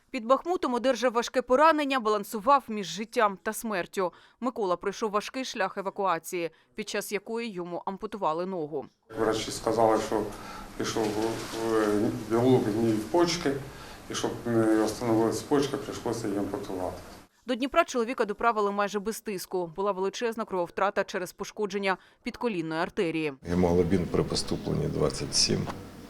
Під Бахмутом одержав важке поранення, балансував між життям та смертю. Микола пройшов важкий шлях евакуації, під час якої йому ампутували ногу. Врачі сказали, що пішов білок гній в почки, і щоб не встановилися почки, прийшлося її ампутувати. До Дніпра чоловіка доправили майже без тиску. Була величезна крововтрата через пошкодження підколінної артерії. Гемоглобін при поступленні 27.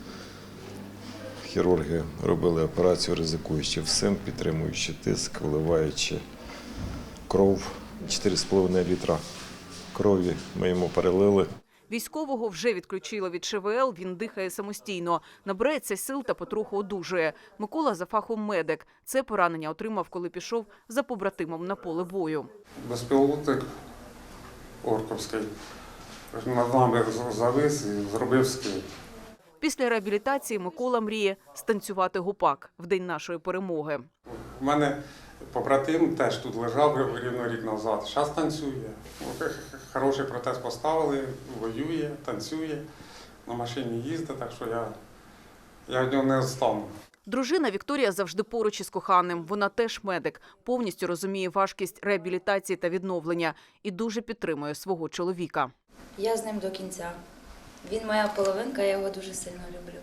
Хірурги робили операцію, ризикуючи всім, підтримуючи тиск, вливаючи кров. 4,5 літра крові ми йому перелили. Військового вже відключили від ШВЛ, він дихає самостійно. Набирається сил та потроху одужує. Микола за фахом медик. Це поранення отримав, коли пішов за побратимом на поле бою. Безпілотник орковський над нами завис і зробив скид. Після реабілітації Микола мріє станцювати гупак в день нашої перемоги. У мене побратим теж тут лежав рівно рік назад. Зараз танцює. Хороший протез поставили, воює, танцює, на машині їздить, так що я від нього не відстану. Дружина Вікторія завжди поруч із коханим. Вона теж медик, повністю розуміє важкість реабілітації та відновлення і дуже підтримує свого чоловіка. Я з ним до кінця. Він моя половинка, я його дуже сильно люблю.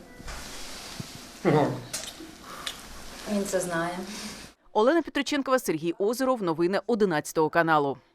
Він це знає. Олена Петриченкова, Сергій Озеров. Новини 11 каналу.